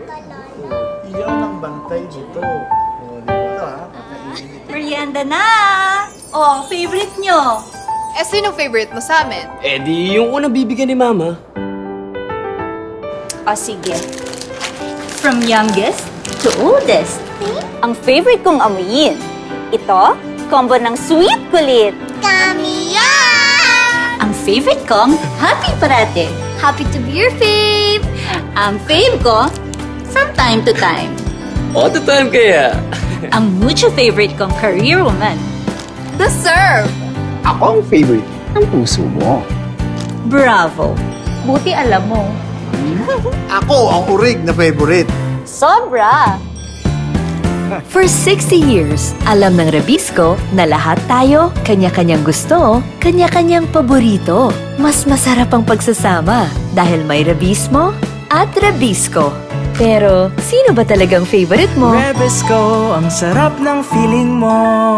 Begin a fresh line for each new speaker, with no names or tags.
Iyaw ng bantay dito. O, dito ha. Kakainin ito.
Merienda na! Oh, favorite nyo?
Eh, sino favorite mo sa amin?
Eh di yung unang bibigyan ni Mama.
O, sige. From youngest to oldest. Ang favorite kong amuyin. Ito, combo ng sweet kulit.
Kamiya!
Ang favorite kong happy parate.
Happy to be your fave!
Ang fave ko, from time to time.
All the time kaya.
Ang mucho favorite kong career woman.
The serve!
Ako ang favorite ng puso mo.
Bravo. Buti alam mo.
Ako ang urig na favorite.
Sobra!
For 60 years, alam ng Rebisco na lahat tayo, kanya-kanyang gusto, kanya-kanyang paborito. Mas masarap ang pagsasama dahil may Rebismo at Rebisco. Pero, sino ba talagang favorite mo?
Rebisco, ang sarap ng feeling mo.